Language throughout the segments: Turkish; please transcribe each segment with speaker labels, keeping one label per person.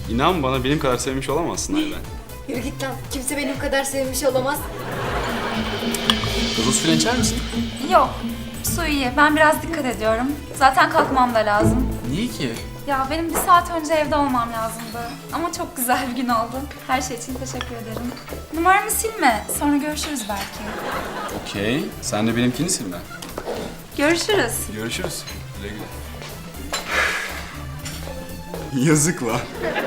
Speaker 1: İnan bana benim kadar sevmiş olamazsın Ayla.
Speaker 2: Yürü git lan. Kimse benim kadar sevmiş olamaz.
Speaker 1: Gazoz filan içer misin?
Speaker 3: Yok. Su iyi. Ben biraz dikkat ediyorum. Zaten kalkmam da lazım.
Speaker 1: Niye ki?
Speaker 3: Ya benim bir saat önce evde olmam lazımdı. Ama çok güzel bir gün oldu. Her şey için teşekkür ederim. Numaramı silme. Sonra görüşürüz belki.
Speaker 1: Okey. Sen de benimkini silme.
Speaker 3: Görüşürüz.
Speaker 1: Görüşürüz. Güle güle. Yazık la.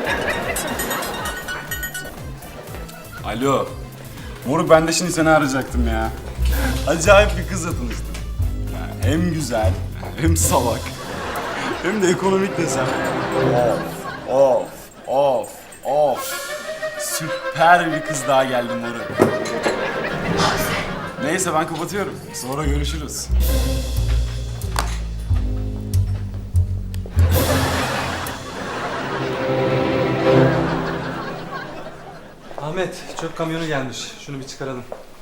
Speaker 1: Alo. Moruk, ben de şimdi seni arayacaktım ya. Acayip bir kızla tanıştım. Yani hem güzel, hem salak, hem de ekonomik desem. Of. Süper bir kız daha geldi moruk. Neyse ben kapatıyorum. Sonra görüşürüz.
Speaker 4: Ahmet, çöp kamyonu gelmiş. Şunu bir çıkaralım.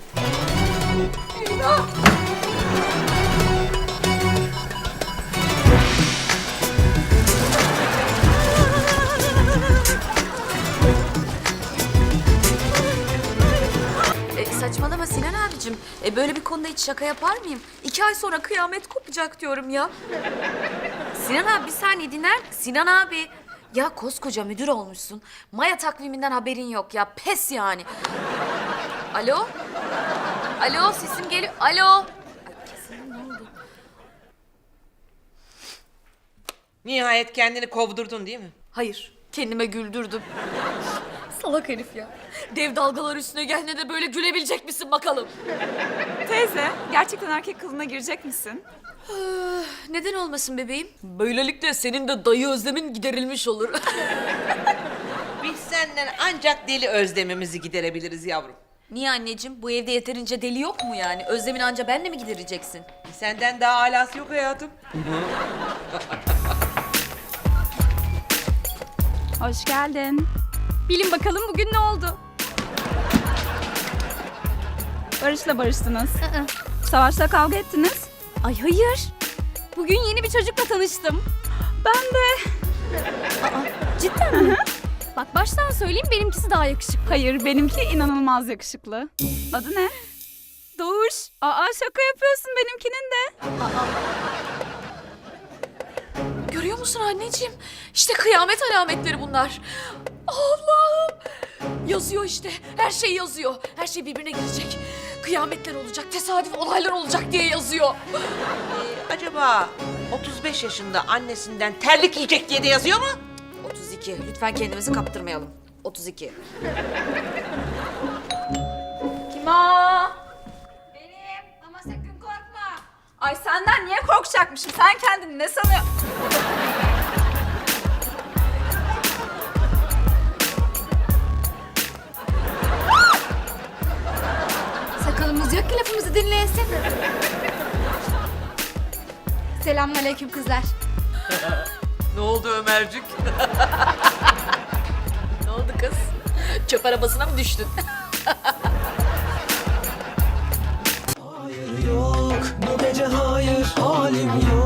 Speaker 5: Saçmalama Sinan abicim. Böyle bir konuda hiç şaka yapar mıyım? 2 ay sonra kıyamet kopacak diyorum ya. Sinan abi bir saniye dinler. Sinan abi. Ya koskoca müdür olmuşsun. Maya takviminden haberin yok ya. Pes yani. Alo? Alo sesim geliyor. Alo? Ay, kesin ne oldu?
Speaker 6: Nihayet kendini kovdurdun değil mi?
Speaker 5: Hayır. Kendime güldürdüm. Salak herif ya. Dev dalgalar üstüne geldiğinde de böyle gülebilecek misin bakalım?
Speaker 3: Teyze, gerçekten erkek kılığına girecek misin?
Speaker 5: Neden olmasın bebeğim? Böylelikle senin de dayı özlemin giderilmiş olur.
Speaker 6: Biz senden ancak deli özlemimizi giderebiliriz yavrum.
Speaker 5: Niye anneciğim? Bu evde yeterince deli yok mu yani? Özlemin anca benle mi gidereceksin?
Speaker 6: Senden daha alası yok hayatım.
Speaker 3: Hoş geldin. Bilin bakalım bugün ne oldu? Barış'la barıştınız. Savaş'la kavga ettiniz.
Speaker 2: Ay hayır. Bugün yeni bir çocukla tanıştım.
Speaker 3: Ben de.
Speaker 2: Cidden mi? Bak baştan söyleyeyim benimkisi daha yakışıklı.
Speaker 3: Hayır, benimki inanılmaz yakışıklı. Adı ne? Doğuş. Aa, şaka yapıyorsun, benimkinin de.
Speaker 5: Görüyor musun anneciğim? İşte kıyamet alametleri bunlar. Allah'ım! Yazıyor işte. Her şey yazıyor. Her şey birbirine girecek. Kıyametler olacak, tesadüf olaylar olacak diye yazıyor.
Speaker 6: Acaba 35 yaşında annesinden terlik yiyecek diye de yazıyor mu?
Speaker 5: 32. Lütfen kendimizi kaptırmayalım. 32.
Speaker 3: Kim o? Benim. Ama sakın korkma. Ay senden niye korkacakmışım? Sen kendini ne sanıyorsun?
Speaker 2: Sakalımız yok ki lafımızı dinleyesin. Selamünaleyküm kızlar.
Speaker 6: Ne oldu Ömercik?
Speaker 5: Ne oldu kız? Çöp arabasına mı düştün?
Speaker 7: Hayır yok bu gece hayır halim yok